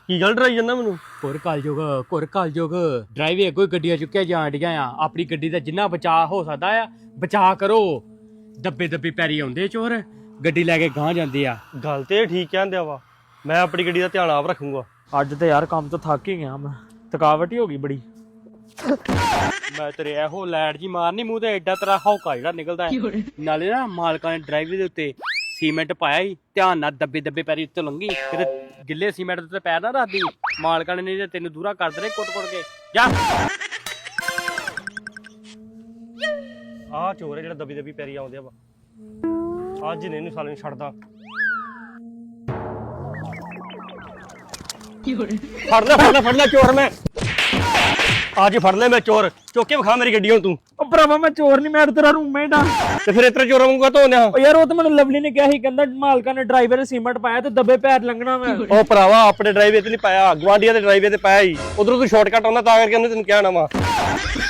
ਕੀ ਗੱਲ ਡਰਾਈ ਜਾਂਦਾ ਮੈਨੂੰ? ਘੁਰ ਕਲਯੁਗ ਡਰਾਈਵੇ ਅੱਗੋਂ ਹੀ ਗੱਡੀਆਂ ਚੁੱਕਿਆ ਜਾਣ ਡੀਆਂ ਆ। ਆਪਣੀ ਗੱਡੀ ਦਾ ਜਿੰਨਾ ਬਚਾਅ ਹੋ ਸਕਦਾ ਆ ਬਚਾਅ ਕਰੋ। ਦੱਬੇ ਪੈਰੀ ਆਉਂਦੇ ਚੋਰ, ਗੱਡੀ ਲੈ ਕੇ ਗਾਂਹ ਜਾਂਦੇ ਆ। ਗੱਲ ਤੇ ਠੀਕ ਕਹਿੰਦੇ ਵਾ, ਮੈਂ ਆਪਣੀ ਗੱਡੀ ਦਾ ਧਿਆਨ ਆਪ ਰੱਖੂੰਗਾ। ਅੱਜ ਤੇ ਯਾਰ ਕੰਮ ਤੋਂ ਥੱਕ ਹੀ ਗਿਆ ਮੈਂ, ਥਕਾਵਟ ਹੀ ਹੋ ਗਈ ਬੜੀ। ਮੈਂ ਤੇਰੇ ਇਹੋ ਲੈਟ ਜੀ ਮਾਰਨੀ ਮੂੰਹ ਤੇ, ਐਡਾ ਤੇਰਾ ਹੌਕਾ ਜਿਹੜਾ ਨਿਕਲਦਾ ਹੈ। ਨਾਲੇ ਨਾ ਮਾਲਕਾਂ ਨੇ ਡਰਾਈਵਰ ਦੇ ਉੱਤੇ ਸੀਮੈਂਟ ਪਾਇਆ ਹੀ, ਧਿਆਨ ਨਾਲ ਦੱਬੇ ਪੈਰੀ ਉੱਤੇ ਲੰਘੀ, ਕਿਤੇ ਗਿੱਲੇ ਸੀਮੈਂਟ ਉੱਤੇ ਪੈਰ ਨਾ ਰੱਖਦੀ। ਮਾਲਕਾਂ ਨੇ ਨਹੀਂ ਤੇ ਤੈਨੂੰ ਦੂਰਾ ਕਰ ਦੇਣੇ ਕੁੱਟ ਕੇ। ਜਾ ਆਹ ਚੋਰ ਹੈ ਜਿਹੜਾ ਦੱਬੀ ਪੈਰੀ ਆਉਂਦੇ ਆ ਵਾ। ਅੱਜ ਨੇ ਇਹਨੂੰ ਸਾਲੇ ਨੂੰ ਛੱਡਦਾ। ਫੜ ਲੈ ਚੋਰ। ਮੈਂ ਅੱਜ ਫੜ ਲੈ, ਮੈਂ ਚੋਰ। ਚੁੱਕ ਕੇ ਵਿਖਾ ਮੇਰੀ ਗੱਡੀ ਹੁਣ ਤੂੰ। ਉਹ ਭਰਾਵਾ ਮੈਂ ਚੋਰ ਨਹੀਂ, ਮੈਂ ਤੇਰਾ ਰੂਮਮੇਟ ਆ। ਤੇ ਫਿਰ ਇਤਰਾ ਚੋਰਾਂ ਵਾਂਗੂ ਧੋਨੇ ਆ? ਉਹ ਯਾਰ ਉਹ ਤਾਂ ਮੈਨੂੰ ਲਵਲੀ ਨੇ ਕਿਹਾ ਸੀ, ਕਹਿੰਦਾ ਮਾਲਕਾਂ ਨੇ ਡਰਾਈਵਰ ਨੇ ਸੀਮੈਂਟ ਪਾਇਆ ਤੇ ਦੱਬੇ ਪੈਰ ਲੰਘਣਾ। ਮੈਂ ਉਹ ਭਰਾਵਾ ਆਪਣੇ ਡਰਾਈਵੇ ਤੇ ਨਹੀਂ ਪਾਇਆ, ਗਵਾਂਡੀਆਂ ਦੇ ਡਰਾਈਵੇ ਤੇ ਪਾਇਆ ਹੀ। ਉਧਰੋਂ ਤੂੰ ਸ਼ਾਰਟਕਟ ਆਉਂਦਾ ਤਾਂ ਕਰਕੇ ਉਹਨੇ ਤੈਨੂੰ ਕਿਹਾ ਨਾ ਵਾ।